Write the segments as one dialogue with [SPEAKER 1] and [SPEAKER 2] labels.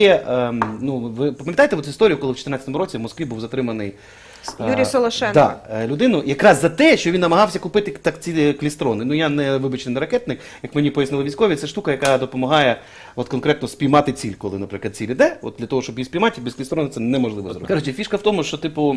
[SPEAKER 1] Ну, ви пам'ятаєте цю історію, коли в 2014 році в Москві був затриманий
[SPEAKER 2] Юрій Солошенко.
[SPEAKER 1] Да, людину, якраз за те, що він намагався купити так ці клістрони. Ну я не, вибачте, не ракетник, як мені пояснили військові, це штука, яка допомагає от конкретно спіймати ціль, коли, наприклад, ціль іде. От для того, щоб її спіймати, без клістрону це неможливо зробити. Коротше, фішка в тому, що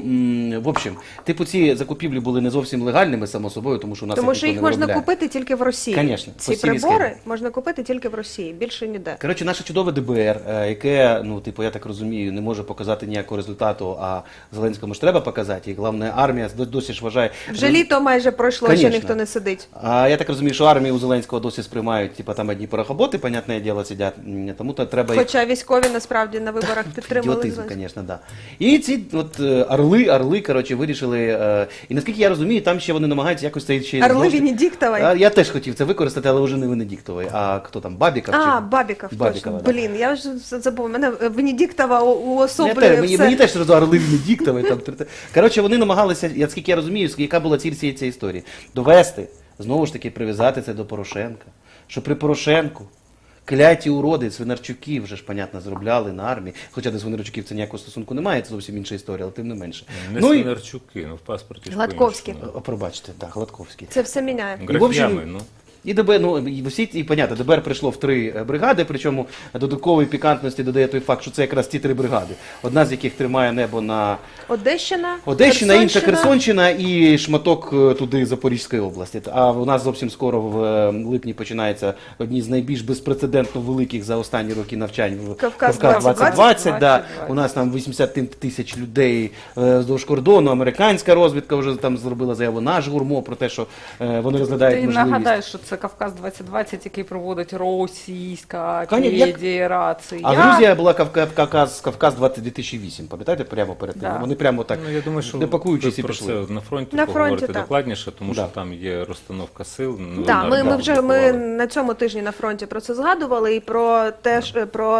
[SPEAKER 1] в общем, ці закупівлі були не зовсім легальними, само собою, тому що у нас
[SPEAKER 2] Тому що їх можна
[SPEAKER 1] виробляє.
[SPEAKER 2] купити тільки в Росії.
[SPEAKER 1] Конечно,
[SPEAKER 2] ці
[SPEAKER 1] по цілій
[SPEAKER 2] прибори
[SPEAKER 1] схемі.
[SPEAKER 2] можна купити тільки в Росії, більше ніде.
[SPEAKER 1] Коротше, наше чудове ДБР, яке, ну, я так розумію, не може показати ніякого результату, а Зеленському ж треба показати, і головне, армія досі ж вважає...
[SPEAKER 2] Вже літо майже пройшло,
[SPEAKER 1] Конечно.
[SPEAKER 2] ще ніхто не сидить.
[SPEAKER 1] А я так розумію, що армію у Зеленського досі сприймають, там одні порохоботи, понятне діло, сидять, тому то треба...
[SPEAKER 2] Хоча військові насправді на виборах підтримали
[SPEAKER 1] Ідіотизм,
[SPEAKER 2] Зеленського.
[SPEAKER 1] звісно, да. І ці от орли, коротше, вирішили, і наскільки я розумію, там ще вони намагаються якось цей ще...
[SPEAKER 2] Орли Венедіктової.
[SPEAKER 1] Я теж хотів це використати, але вже не Венедіктової, а хто там, Бабіков?
[SPEAKER 2] А,
[SPEAKER 1] чи...
[SPEAKER 2] Бабіков,
[SPEAKER 1] Бабікова,
[SPEAKER 2] точно.
[SPEAKER 1] да.
[SPEAKER 2] Блін, я вже забув. Мене Венедіктова уособлює
[SPEAKER 1] Мені
[SPEAKER 2] все.
[SPEAKER 1] теж одразу орли Венедіктової. Коротше, вони намагалися, наскільки я розумію, яка була ціль цієї історії, довести, знову ж таки, прив'язати це до Порошенка, що при Порошенку кляті уроди Свинарчуки вже ж, понятно, зробляли на армії. Хоча до Свинарчуків це ніякого стосунку немає, це зовсім інша історія, але тим не менше.
[SPEAKER 3] Не
[SPEAKER 1] Ну,
[SPEAKER 3] Свинарчуки, ну в паспорті ж
[SPEAKER 2] Гладковський.
[SPEAKER 3] по-іншому.
[SPEAKER 1] Пробачте, так, Гладковський.
[SPEAKER 2] Це все міняє.
[SPEAKER 1] І, в общем,
[SPEAKER 3] Графіями, ну.
[SPEAKER 1] І ДБР, понятно, ДБР прийшло в 3 бригади, причому додаткової пікантності додає той факт, що це якраз ті 3 бригади. Одна з яких тримає небо на
[SPEAKER 2] Одещина,
[SPEAKER 1] інша Херсонщина і шматок туди Запорізької області. А у нас зовсім скоро в липні починається одні з найбільш безпрецедентно великих за останні роки навчань в
[SPEAKER 2] Кавказ
[SPEAKER 1] 2020. Да. У нас там 80 тисяч людей вздовж кордону, американська розвідка вже там зробила заяву, наш ГУРМО про те, що вони розглядають
[SPEAKER 4] Ти
[SPEAKER 1] можливість.
[SPEAKER 4] нагадаєш, що це Кавказ 2020, який проводить Російська
[SPEAKER 1] Конечно,
[SPEAKER 4] Федерація.
[SPEAKER 1] А Грузія була Кавказ 2008, пам'ятаєте, прямо перед тим.
[SPEAKER 4] Да.
[SPEAKER 1] Вони прямо так,
[SPEAKER 3] Ну, я думаю, що
[SPEAKER 1] не пакуючись і
[SPEAKER 3] про
[SPEAKER 1] пішли.
[SPEAKER 3] це на фронті
[SPEAKER 2] На
[SPEAKER 3] поговорити
[SPEAKER 2] фронті, так.
[SPEAKER 3] докладніше, тому
[SPEAKER 1] Да.
[SPEAKER 3] що там є розстановка сил. Ну,
[SPEAKER 2] Так,
[SPEAKER 3] на-
[SPEAKER 2] ми вже
[SPEAKER 3] публікували.
[SPEAKER 2] на цьому тижні на фронті про це згадували, і про теж про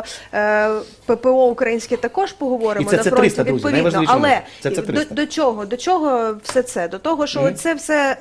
[SPEAKER 2] ППО українське також поговоримо
[SPEAKER 1] І це
[SPEAKER 2] на
[SPEAKER 1] С-300,
[SPEAKER 2] фронті
[SPEAKER 1] друзі,
[SPEAKER 2] відповідно.
[SPEAKER 1] найважливіше
[SPEAKER 2] Але
[SPEAKER 1] момент. Це С-300.
[SPEAKER 2] до чого все це? До того, що це все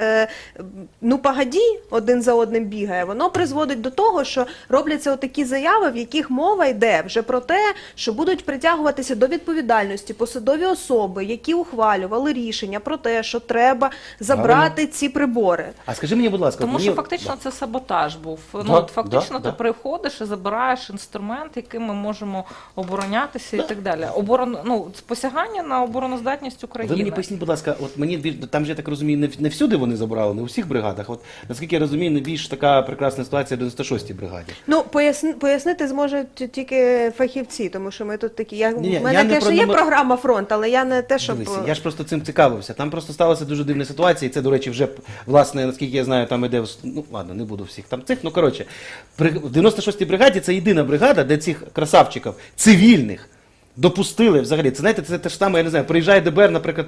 [SPEAKER 2] ну погоді, один за одним бігає, воно призводить до того, що робляться отакі заяви, в яких мова йде вже про те, що будуть притягуватися до відповідальності посадові особи, які ухвалювали рішення про те, що треба забрати ці прибори.
[SPEAKER 1] А скажи мені, будь ласка,
[SPEAKER 4] Тому
[SPEAKER 1] мені...
[SPEAKER 4] що фактично це саботаж був.
[SPEAKER 1] Да,
[SPEAKER 4] Ну, от фактично
[SPEAKER 1] да.
[SPEAKER 4] ти приходиш і забираєш інструмент, яким ми можемо оборонятися і так далі. Посягання на обороноздатність України.
[SPEAKER 1] Ви мені поясніть, будь ласка, от мені там же, я так розумію, не всюди вони забрали, не у всіх бригадах. От наскільки я розумію, найбільш така прекрасна ситуація в 96-й бригаді.
[SPEAKER 2] Ну, пояснити зможуть тільки фахівці, тому що ми тут такі.
[SPEAKER 1] Ні,
[SPEAKER 2] У
[SPEAKER 1] я
[SPEAKER 2] мене,
[SPEAKER 1] не
[SPEAKER 2] звісно,
[SPEAKER 1] про
[SPEAKER 2] є
[SPEAKER 1] номер-
[SPEAKER 2] програма «Фронт», але я не те, щоб...
[SPEAKER 1] Дивись, я ж просто цим цікавився. Там просто сталася дуже дивна ситуація, і це, до речі, вже, власне, наскільки я знаю, там іде, ну, ладно, не буду всіх там цих, ну, коротше, в 96-й бригаді це єдина бригада, де цих красавчиків, цивільних, допустили взагалі. Це, знаєте, це те ж саме, я не знаю, приїжджає ДБР, наприклад,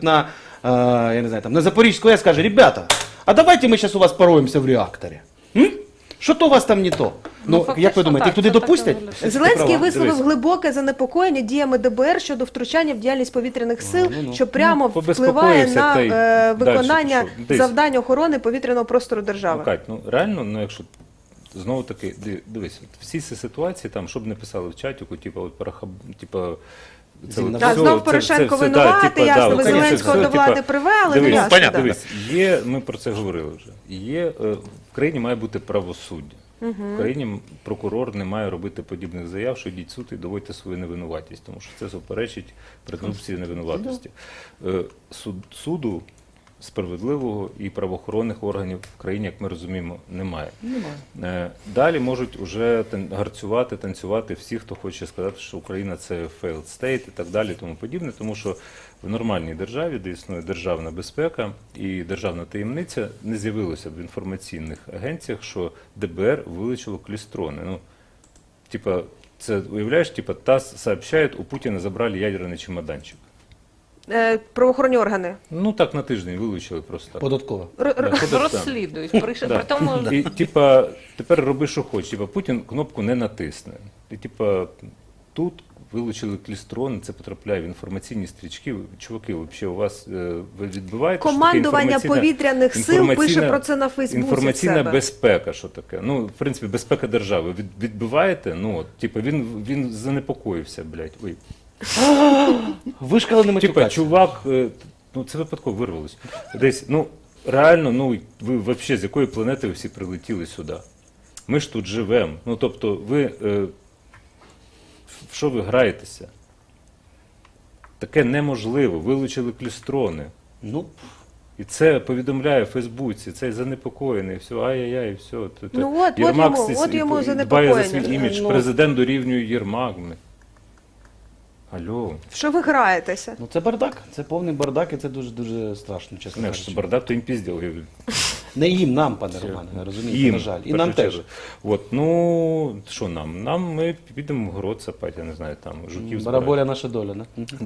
[SPEAKER 1] я не знаю, там, на Запорізьку АЕС, каже, ребята, а давайте ми зараз у вас пороємося в реакторі. Що то у вас там не то? Ну, як
[SPEAKER 4] фактично
[SPEAKER 1] ви думаєте, їх
[SPEAKER 4] так,
[SPEAKER 1] туди
[SPEAKER 4] це так і
[SPEAKER 1] допустять?
[SPEAKER 4] виглядає.
[SPEAKER 2] Зеленський
[SPEAKER 1] Ти права.
[SPEAKER 2] висловив
[SPEAKER 3] Дивись.
[SPEAKER 2] глибоке занепокоєння діями ДБР щодо втручання в діяльність повітряних сил, що прямо впливає
[SPEAKER 3] побезпокоївся
[SPEAKER 2] на
[SPEAKER 3] та й
[SPEAKER 2] виконання
[SPEAKER 3] дальше пішов. Десь.
[SPEAKER 2] завдань охорони повітряного простору держави.
[SPEAKER 3] Ну, Кать, ну реально, ну якщо знову таки, дивись, от всі ці ситуації, там, щоб не писали в чатіку, типу, от це
[SPEAKER 1] Зімна
[SPEAKER 3] от
[SPEAKER 2] Так,
[SPEAKER 3] все-
[SPEAKER 2] знов Порошенко
[SPEAKER 3] все,
[SPEAKER 2] винувати,
[SPEAKER 3] типу,
[SPEAKER 2] ясно, ви
[SPEAKER 3] оце
[SPEAKER 2] Зеленського
[SPEAKER 3] все,
[SPEAKER 2] до влади
[SPEAKER 3] типу,
[SPEAKER 2] привели,
[SPEAKER 3] дивись,
[SPEAKER 2] ну ясно, да.
[SPEAKER 3] дивись, ми про це говорили вже. Є, в країні має бути правосуддя. В країні прокурор не має робити подібних заяв, що йдіть в суд і доводьте свою невинуватість, тому що це суперечить презумпції невинуватості. Суду справедливого і правоохоронних органів в країні, як ми розуміємо, немає. Далі можуть уже гарцювати, танцювати всі, хто хоче сказати, що Україна це failed state і так далі, і тому подібне, тому що в нормальній державі, де існує державна безпека і державна таємниця, не з'явилося в інформаційних агенціях, що ДБР вилучило клістрони. Ну, типа, це, уявляєш, типа, ТАСС сообщает, у Путіна забрали ядерний чемоданчик.
[SPEAKER 2] Правоохоронні органи.
[SPEAKER 3] Ну так на тиждень вилучили просто так.
[SPEAKER 1] Податково.
[SPEAKER 4] Розслідують. При тому,
[SPEAKER 3] І типа, тепер роби, що хочеш. Типа, Путін кнопку не натисне. І типа, тут вилучили клістрон, це потрапляє в інформаційні стрічки. Чуваки, взагалі, у вас ви відбиваєте? що таке
[SPEAKER 2] Командування повітряних сил пише
[SPEAKER 3] інформаційна-
[SPEAKER 2] про це на Фейсбуці. в
[SPEAKER 3] Інформаційна
[SPEAKER 2] себе.
[SPEAKER 3] безпека, що таке? Ну, в принципі, безпека держави. Відбиваєте? Ну, от, типу, він занепокоївся, блядь. Ой.
[SPEAKER 1] Вишкалений
[SPEAKER 3] Типа,
[SPEAKER 1] матюкація.
[SPEAKER 3] чувак, ну це випадково вирвалось. Десь, ну, реально, ну, ви взагалі з якої планети ви всі прилетіли сюди? Ми ж тут живемо. Ну, тобто, ви, в що ви граєтеся? Таке неможливо. Вилучили клістрони.
[SPEAKER 1] Ну,
[SPEAKER 3] І це повідомляє в Фейсбуці, цей занепокоєний, все, ай-яй-яй, все.
[SPEAKER 2] Ну от йому
[SPEAKER 3] дбає за
[SPEAKER 2] занепокоєння.
[SPEAKER 3] свій імідж,
[SPEAKER 1] Ну.
[SPEAKER 3] президент дорівнює Єрмак. Алло.
[SPEAKER 2] В що ви граєтеся?
[SPEAKER 1] ну це бардак, це повний бардак, і це дуже страшно, чесно
[SPEAKER 3] Не,
[SPEAKER 1] кажучи.
[SPEAKER 3] що бардак, то їм пізділ.
[SPEAKER 1] Не їм, нам, пане Романе, розумієте, на жаль. І
[SPEAKER 3] в
[SPEAKER 1] нам
[SPEAKER 3] першу
[SPEAKER 1] теж.
[SPEAKER 3] чергу. От, ну, що нам? Нам ми підемо в город сапати, я не знаю, там, жуків збирати.
[SPEAKER 1] Бараболя наша доля, не?